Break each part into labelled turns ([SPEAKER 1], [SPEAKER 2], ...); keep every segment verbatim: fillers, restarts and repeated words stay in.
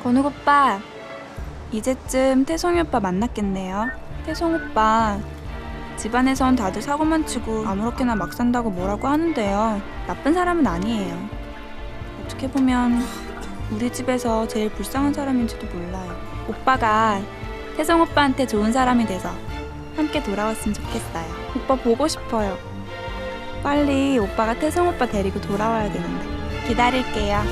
[SPEAKER 1] 건욱 오빠, 이제쯤 태성이 오빠 만났겠네요. 태성 오빠, 집안에선 다들 사고만 치고 아무렇게나 막 산다고 뭐라고 하는데요. 나쁜 사람은 아니에요. 어떻게 보면 우리 집에서 제일 불쌍한 사람인지도 몰라요. 오빠가 태성 오빠한테 좋은 사람이 돼서 함께 돌아왔으면 좋겠어요. 오빠 보고 싶어요. 빨리 오빠가 태성 오빠 데리고 돌아와야 되는데. 기다릴게요.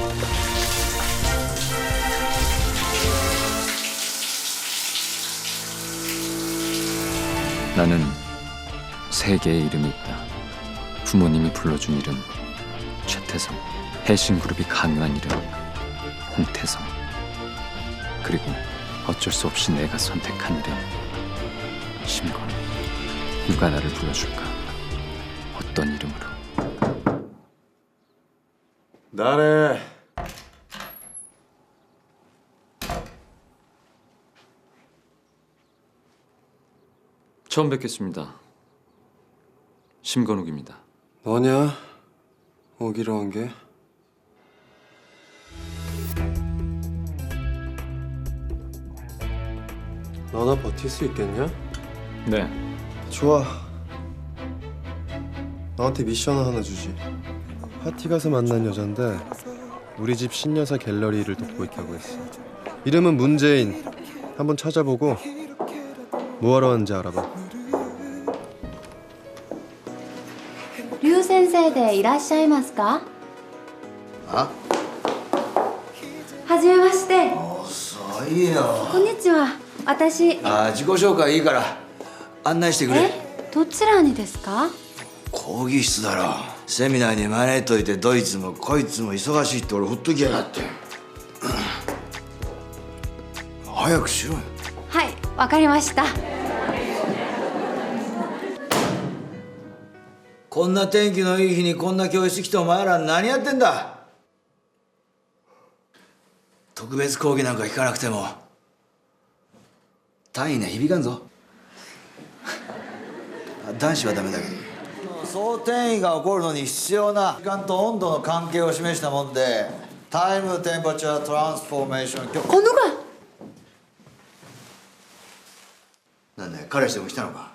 [SPEAKER 2] 나는 세 개의 이름이 있다. 부모님이 불러준 이름 최태성, 해신그룹이 강요한 이름 홍태성, 그리고 어쩔 수 없이 내가 선택한 이름 심건. 누가 나를 불러줄까? 어떤 이름으로?
[SPEAKER 3] 나래.
[SPEAKER 2] 처음 뵙겠습니다. 심건욱입니다.
[SPEAKER 3] 너냐? 오기로 한 게? 너나 버틸 수 있겠냐?
[SPEAKER 2] 네.
[SPEAKER 3] 좋아. 너한테 미션 하나 주지. 파티 가서 만난 여잔데 우리 집 신여사 갤러리를 돕고 있다고 했어. 이름은 문재인. 한번 찾아보고 뭐하러 왔는지 알아봐.
[SPEAKER 4] 劉先生でいらっしゃいますか？
[SPEAKER 5] あ、
[SPEAKER 4] はじめまして。
[SPEAKER 5] 遅いよ。
[SPEAKER 4] こんにちは。私。
[SPEAKER 5] あ、自己紹介いいから案内してくれ。
[SPEAKER 4] え、どちらにですか？
[SPEAKER 5] 講義室だろ。セミナーに招いといてどいつもこいつも忙しいって俺ほっときやがって。早くしろよ。
[SPEAKER 4] はい、わかりました。
[SPEAKER 5] こんな天気のいい日にこんな教室来てお前ら何やってんだ。特別講義なんか聞かなくても単位には響かんぞ。男子はダメだけど総転移が起こるのに必要な時間と温度の関係を示したもんでタイムテンパチャートランスフォーメーション曲。
[SPEAKER 4] このが。
[SPEAKER 5] なんだよ、彼氏でも来たのか。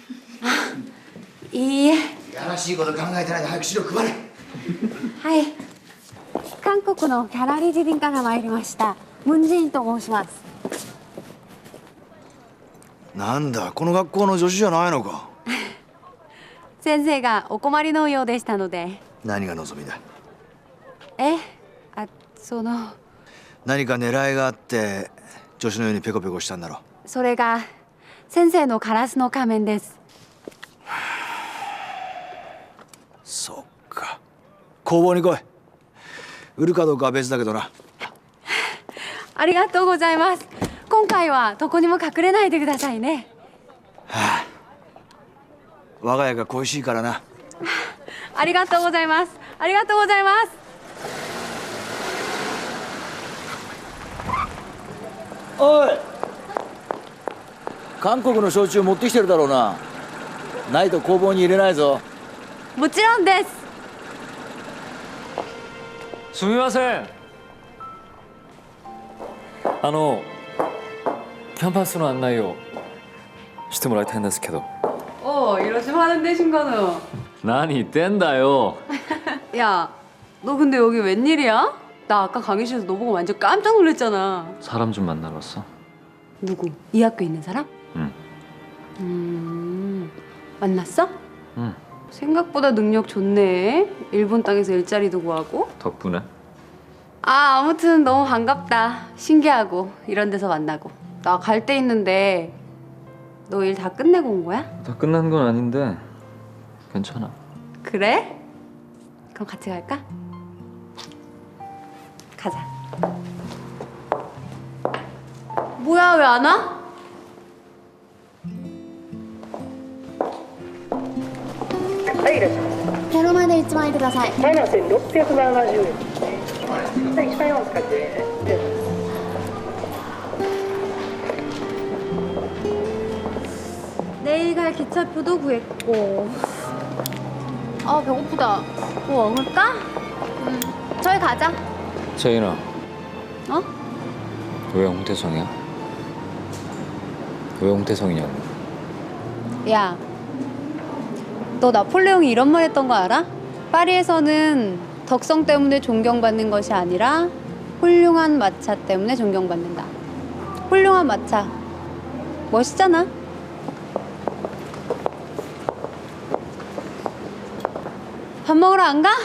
[SPEAKER 4] いいえ。
[SPEAKER 5] やらしいこと考えてないで早く資料配れ。
[SPEAKER 4] はい。韓国のギャラリー人員から参りました。ムンジェインと申します。
[SPEAKER 5] なんだ、この学校の助手じゃないのか。
[SPEAKER 4] 先生がお困りのようでしたので。
[SPEAKER 5] 何が望みだ。
[SPEAKER 4] え、あ、その。
[SPEAKER 5] 何か狙いがあって助手のようにペコペコしたんだろう。
[SPEAKER 4] それが先生のカラスの仮面です。
[SPEAKER 5] そっか。工房に来い。売るかどうかは別だけどな。
[SPEAKER 4] ありがとうございます。今回はどこにも隠れないでくださいね。
[SPEAKER 5] はあ、我が家が恋しいからな。
[SPEAKER 4] ありがとうございます。ありがとうございます。
[SPEAKER 5] おい、韓国の焼酎持ってきてるだろうな。ないと工房に入れないぞ。
[SPEAKER 4] もちろんです。
[SPEAKER 2] すみません。あのキャンパスの案内をしてもらいたいんですけど。
[SPEAKER 4] 어, 이러시면 하는데 신건우.
[SPEAKER 2] 何言ってんだよ。
[SPEAKER 4] 야, 너 근데 여기 웬일이야? 나 아까 강의실에서 너 보고 완전 깜짝 놀랐잖아.
[SPEAKER 2] 사람 좀 만나러 왔어.
[SPEAKER 4] 누구? 이 학교에 있는 사람?
[SPEAKER 2] 응.
[SPEAKER 4] 음, 만났어?
[SPEAKER 2] 응.
[SPEAKER 4] 생각보다 능력 좋네. 일본 땅에서 일자리도 구하고.
[SPEAKER 2] 덕분에.
[SPEAKER 4] 아, 아무튼 너무 반갑다. 신기하고 이런 데서 만나고. 나 갈 데 있는데 너 일 다 끝내고 온 거야?
[SPEAKER 2] 다 끝난 건 아닌데 괜찮아.
[SPEAKER 4] 그래? 그럼 같이 갈까? 가자. 뭐야, 왜 안 와?このまで一枚ください。
[SPEAKER 6] マイナスろっぴゃくななじゅうえんですね。いちまんよん使って
[SPEAKER 4] 내일 갈 기차표도 구했고. 아, 배고프다. 뭐 먹을까? 음, 저희 가자.
[SPEAKER 2] 재인아,
[SPEAKER 4] 어?
[SPEAKER 2] 왜 홍태성이야? 왜 홍태성이냐고.
[SPEAKER 4] 야, 너 나폴레옹이 이런 말 했던 거 알아? 파리에서는 덕성 때문에 존경받는 것이 아니라 훌륭한 마차 때문에 존경받는다. 훌륭한 마차. 멋있잖아. 밥 먹으러 안 가?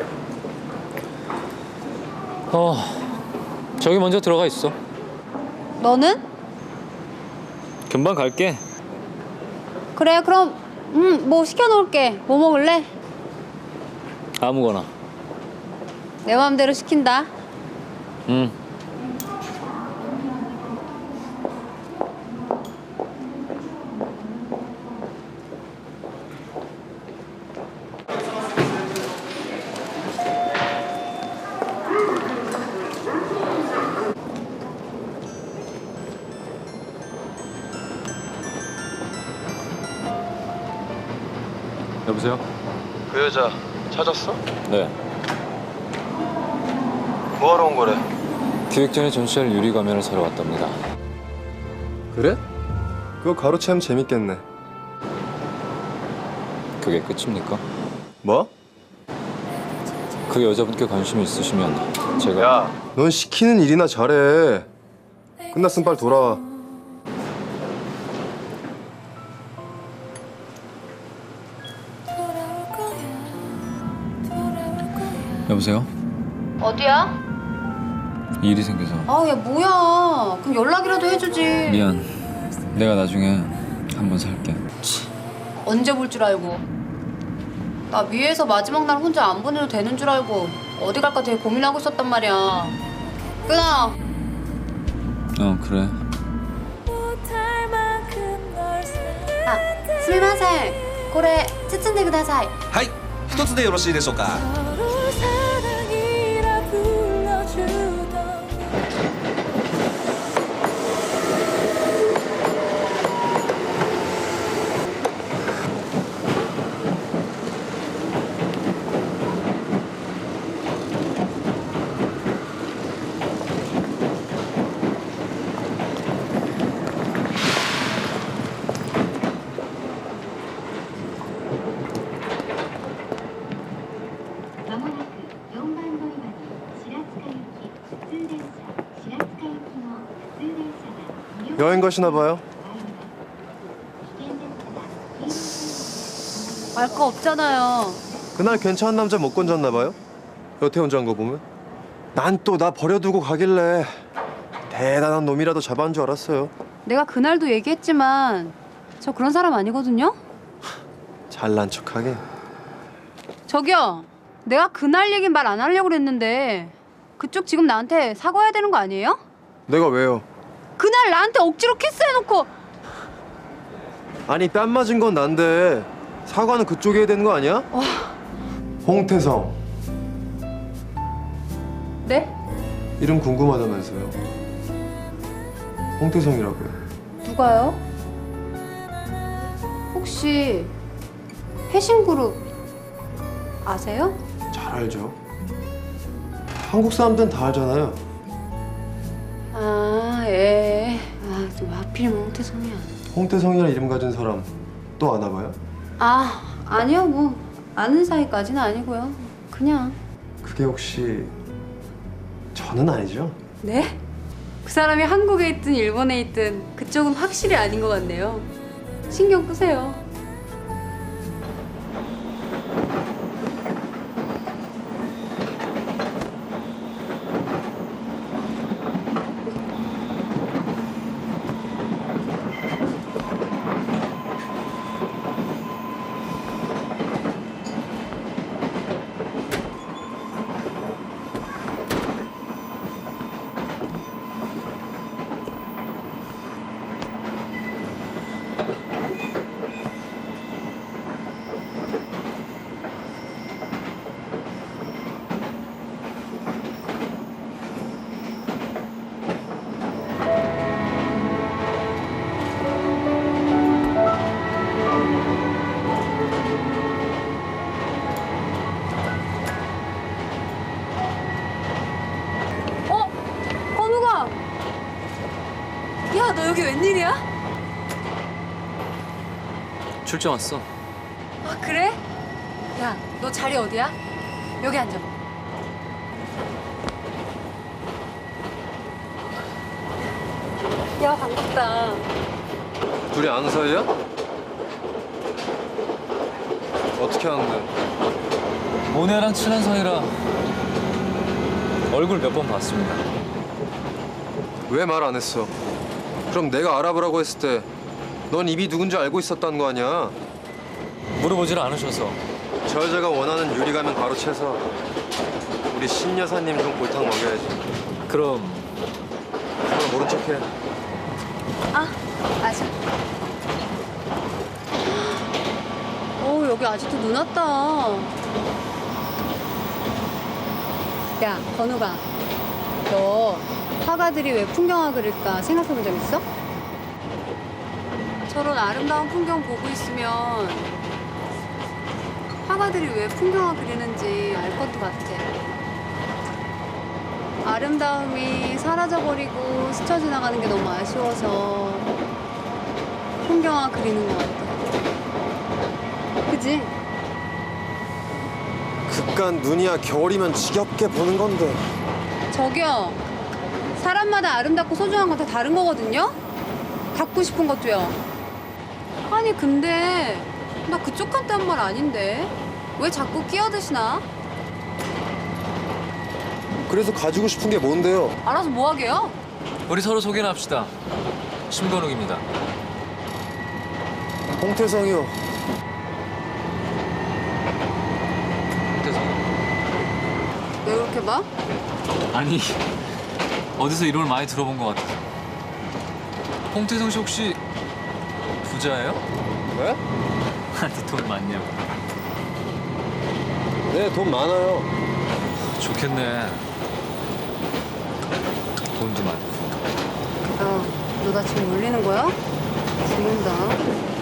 [SPEAKER 2] 어, 저기 먼저 들어가 있어.
[SPEAKER 4] 너는?
[SPEAKER 2] 금방 갈게.
[SPEAKER 4] 그래, 그럼 음, 뭐 시켜놓을게. 뭐 먹을래?
[SPEAKER 2] 아무거나.
[SPEAKER 4] 내 마음대로 시킨다.
[SPEAKER 2] 응. 여보세요?
[SPEAKER 3] 그 여자 찾았어?
[SPEAKER 2] 네.
[SPEAKER 3] 뭐하러 온 거래?
[SPEAKER 2] 기획전에 전시할 유리 가면을 사러 왔답니다.
[SPEAKER 3] 그래? 그거 가로채면 재밌겠네.
[SPEAKER 2] 그게 끝입니까?
[SPEAKER 3] 뭐?
[SPEAKER 2] 그 여자분께 관심이 있으시면 제가
[SPEAKER 3] 야, 넌 시키는 일이나 잘해. 끝났으면 빨리 돌아와.
[SPEAKER 2] 여보세요?
[SPEAKER 4] 어디야?
[SPEAKER 2] 일이 생겨서
[SPEAKER 4] 아, 야, 뭐야. 그럼 연락이라도 해주지.
[SPEAKER 2] 미안. 내가 나중에 한번 살게.
[SPEAKER 4] 언제 볼 줄 알고. 나 위에서 마지막 날 혼자 안 보내도 되는 줄 알고 어디 갈까 되게 고민하고 있었단 말이야. 끊어.
[SPEAKER 2] 어 그래.
[SPEAKER 4] 아, 스미마셍. 고래 츠츠인데 쿠다사이.
[SPEAKER 7] はい、一つでよろしいでしょうか。
[SPEAKER 8] まもなくよんばん乗り場に白塚行き普通電車白塚行きの普通電車が
[SPEAKER 3] 여행 가시나 봐요?
[SPEAKER 8] 危険ですから
[SPEAKER 4] 말 거 없잖아요.
[SPEAKER 3] 그날 괜찮은 남자 못 건졌나 봐요? 여태 혼자 한 거 보면. 난 또 나 버려두고 가길래 대단한 놈이라도 잡아온 줄 알았어요.
[SPEAKER 4] 내가 그날도 얘기했지만 저 그런 사람 아니거든요.
[SPEAKER 3] 잘난 척하게.
[SPEAKER 4] 저기요. 내가 그날 얘기 말 안 하려고 그랬는데 그쪽 지금 나한테 사과해야 되는 거 아니에요?
[SPEAKER 3] 내가 왜요?
[SPEAKER 4] 그날 나한테 억지로 키스해놓고.
[SPEAKER 3] 아니 뺨 맞은 건 난데 사과는 그쪽이 해야 되는 거 아니야?
[SPEAKER 4] 와.
[SPEAKER 3] 홍태성
[SPEAKER 4] 네?
[SPEAKER 3] 이름 궁금하다면서요. 홍태성이라고요.
[SPEAKER 4] 누가요? 혹시 해신그룹 아세요?
[SPEAKER 3] 잘 알죠. 한국 사람들은 다 알잖아요.
[SPEAKER 4] 아, 예. 아, 또 하필이면 홍태성이야.
[SPEAKER 3] 홍태성이라는 이름 가진 사람 또 아나 봐요?
[SPEAKER 4] 아, 아니요. 뭐 아는 사이까지는 아니고요. 그냥.
[SPEAKER 3] 그게 혹시 저는 아니죠?
[SPEAKER 4] 네? 그 사람이 한국에 있든 일본에 있든 그쪽은 확실히 아닌 것 같네요. 신경 끄세요. 여기 웬일이야?
[SPEAKER 2] 출장 왔어.
[SPEAKER 4] 아, 그래? 야, 너 자리 어디야? 여기 앉아. 야, 반갑다.
[SPEAKER 3] 둘이 아는 사이야? 어떻게 아는데?
[SPEAKER 2] 모네랑 친한 사이라 얼굴 몇 번 봤습니다.
[SPEAKER 3] 왜 말 안 했어? 그럼 내가 알아보라고 했을 때 넌 이미 누군지 알고 있었다는 거 아니야?
[SPEAKER 2] 물어보질 않으셔서.
[SPEAKER 3] 저 여자가 원하는 유리가면 바로 채서 우리 신 여사님 좀 골탕 먹여야지.
[SPEAKER 2] 그럼
[SPEAKER 3] 그럼 모른 척해.
[SPEAKER 4] 아, 맞아. 어, 여기 아직도 눈 왔다. 야, 건우가. 너 화가들이 왜 풍경화 그릴까 생각해 본 적 있어? 저런 아름다운 풍경 보고 있으면 화가들이 왜 풍경화 그리는지 알 것도 같아. 아름다움이 사라져버리고 스쳐 지나가는 게 너무 아쉬워서 풍경화 그리는 것 같아. 그지?
[SPEAKER 3] 극간 눈이야 겨울이면 지겹게 보는 건데.
[SPEAKER 4] 저기요. 사람마다 아름답고 소중한 건 다 다른 거거든요? 갖고 싶은 것도요. 아니 근데 나 그쪽한테 한 말 아닌데 왜 자꾸 끼어드시나?
[SPEAKER 3] 그래서 가지고 싶은 게 뭔데요?
[SPEAKER 4] 알아서 뭐 하게요?
[SPEAKER 2] 우리 서로 소개나 합시다. 심건욱입니다.
[SPEAKER 3] 홍태성이요.
[SPEAKER 2] 홍태성.
[SPEAKER 4] 왜 그렇게 봐?
[SPEAKER 2] 아니 어디서 이름을 많이 들어본 것 같아서. 홍태성 씨 혹시 부자예요?
[SPEAKER 3] 왜?
[SPEAKER 2] 아니 돈 많냐고.
[SPEAKER 3] 네, 돈 많아요.
[SPEAKER 2] 좋겠네. 돈도 많고.
[SPEAKER 4] 야, 너 나 지금 놀리는 거야? 죽는다.